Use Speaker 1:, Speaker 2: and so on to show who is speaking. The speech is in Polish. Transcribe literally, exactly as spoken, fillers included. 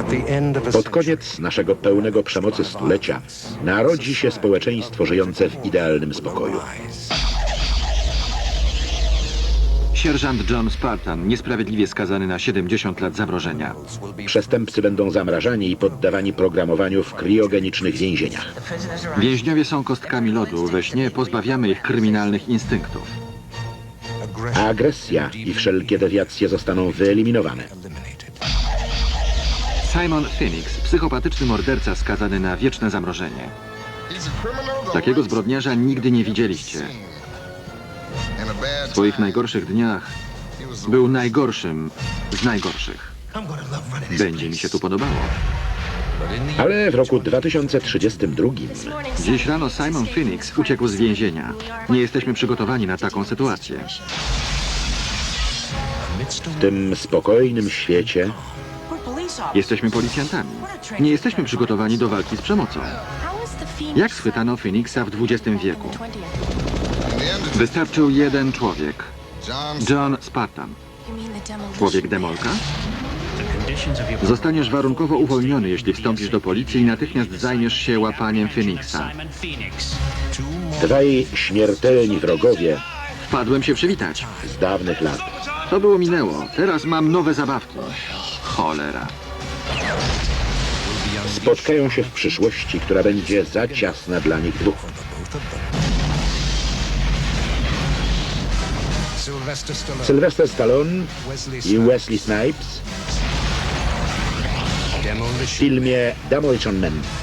Speaker 1: Pod koniec naszego pełnego przemocy stulecia narodzi się społeczeństwo żyjące w idealnym spokoju.
Speaker 2: Sierżant John Spartan, niesprawiedliwie skazany na siedemdziesiąt lat zamrożenia.
Speaker 1: Przestępcy będą zamrażani i poddawani programowaniu w kriogenicznych więzieniach.
Speaker 2: Więźniowie są kostkami lodu, we śnie pozbawiamy ich kryminalnych instynktów.
Speaker 1: A agresja i wszelkie dewiacje zostaną wyeliminowane.
Speaker 2: Simon Phoenix, psychopatyczny morderca skazany na wieczne zamrożenie. Takiego zbrodniarza nigdy nie widzieliście. W swoich najgorszych dniach był najgorszym z najgorszych. Będzie mi się tu podobało.
Speaker 1: Ale w roku dwa tysiące trzydziestym drugim
Speaker 2: Dziś rano Simon Phoenix uciekł z więzienia. Nie jesteśmy przygotowani na taką sytuację.
Speaker 1: w tym spokojnym świecie
Speaker 2: Jesteśmy policjantami. Nie jesteśmy przygotowani do walki z przemocą. Jak schwytano Phoenixa w dwudziestym wieku? Wystarczył jeden człowiek. John Spartan. Człowiek demolka? Zostaniesz warunkowo uwolniony, jeśli wstąpisz do policji i natychmiast zajmiesz się łapaniem Phoenixa.
Speaker 1: dwaj śmiertelni wrogowie
Speaker 2: Wpadłem się przywitać.
Speaker 1: z dawnych lat.
Speaker 2: To było minęło. Teraz mam nowe zabawki. Cholera.
Speaker 1: Spotkają się w przyszłości, która będzie za ciasna dla nich dwóch. Sylvester Stallone i Wesley Snipes w filmie Demolition Man.